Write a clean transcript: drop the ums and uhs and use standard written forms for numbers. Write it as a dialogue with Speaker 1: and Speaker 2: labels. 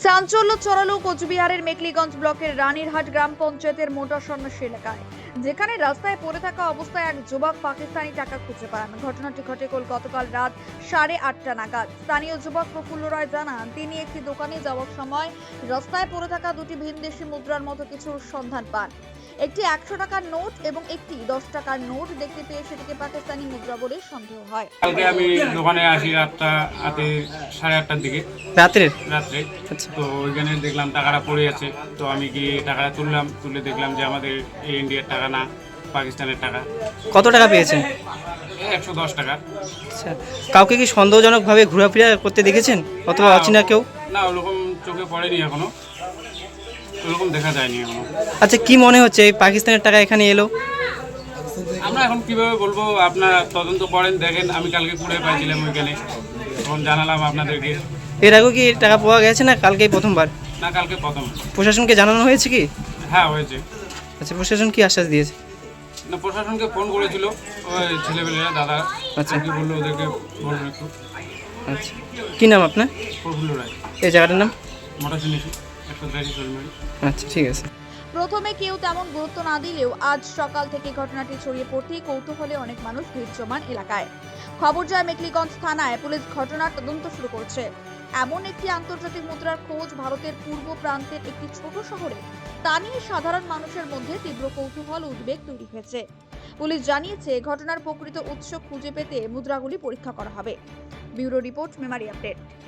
Speaker 1: চাঞ্চল্য ছড়ালো কোচবিহারের মেকলিগঞ্জ ব্লকের রানীরহাট গ্রাম পঞ্চায়েতের মোটা সন্ন্যাসী এলাকায়, যেখানে রাস্তায় পড়ে থাকা অবস্থায় এক যুবক পাকিস্তানি টাকা খুঁজে পান। ঘটনাটি ঘটে গতকাল রাত 8:30 নাগাদ। স্থানীয় যুবক প্রফুল্ল রায় জানান, তিনি একটি দোকানে যাওয়ার সময় রাস্তায় পড়ে থাকা দুটি ভিনদেশি মুদ্রার মতো কিছুর সন্ধান পান। একটি 100 টাকার নোট এবং একটি 10 টাকার নোট দেখতে পেয়ে সেটিকে পাকিস্তানি মুদ্রা বলে সন্দেহ হয়।
Speaker 2: কালকে আমি দোকানে আসি রাতে 8:30টার দিকে রাত্রে। তো ওইখানে দেখলাম টাকাটা পড়ে আছে। তো আমি গিয়ে টাকাটা তুলে দেখলাম যে আমাদের এই ইন্ডিয়ার টাকা না, পাকিস্তানের টাকা।
Speaker 3: কত টাকা পেয়েছেন?
Speaker 2: 110 টাকা।
Speaker 3: আচ্ছা, কাউকে কি সন্দেহজনকভাবে ঘোরাফেরা করতে দেখেছেন অথবা অচেনা কেউ?
Speaker 2: না, ওরকম চোখে পড়েনি এখনো, ওরকম দেখা যায়নি এখনো।
Speaker 3: আচ্ছা, কি মনে হচ্ছে এই পাকিস্তানের টাকা এখানে এলো?
Speaker 2: আমরা এখন কিভাবে বলবো, আপনারা তদন্ত করেন, দেখেন। আমি কালকে কুড়ে পাইছিলাম ওইখানে, তখন জানালাম আপনাদেরকে।
Speaker 3: এর আগেও কি টাকা পাওয়া গেছে না কালকেই প্রথমবার?
Speaker 2: না, কালকে প্রথম।
Speaker 3: প্রশাসনকে জানানো হয়েছে কি?
Speaker 2: হ্যাঁ, হয়েছে।
Speaker 3: আচ্ছা, প্রশাসন কি আশ্বাস দিয়েছে?
Speaker 2: না, প্রশাসনকে ফোন করেছিল ওই ছেলেপেলেরা, দাদা।
Speaker 3: আচ্ছা।
Speaker 2: কি বললো ওদেরকে বলবেন একটু।
Speaker 3: আচ্ছা, কি নাম আপনার?
Speaker 2: প্রফুল্ল রায়।
Speaker 3: এই জায়গাটার নাম?
Speaker 2: মোটা শুনেছি 183 চলমারি।
Speaker 3: আচ্ছা, ঠিক আছে।
Speaker 1: প্রথমে কেউ তেমন গুরুত্ব না দিলেও আজ সকাল থেকে ঘটনাটি ছড়িয়ে পড়তেই কৌতূহলে অনেক মানুষ ভিড় জমান এলাকায়। খবর যায় মেকলিগঞ্জ থানায়, পুলিশ ঘটনার তদন্ত শুরু করছে। এমন একটি আন্তর্জাতিক মুদ্রার খোঁজ ভারতের পূর্ব প্রান্তের একটি ছোট শহরে, তা নিয়ে সাধারণ মানুষের মধ্যে তীব্র কৌতূহল উদ্বেগ তৈরি হয়েছে। পুলিশ জানিয়েছে, ঘটনার প্রকৃত উৎস খুঁজে পেতে মুদ্রাগুলি পরীক্ষা করা হবে। Bureau report, Memari update.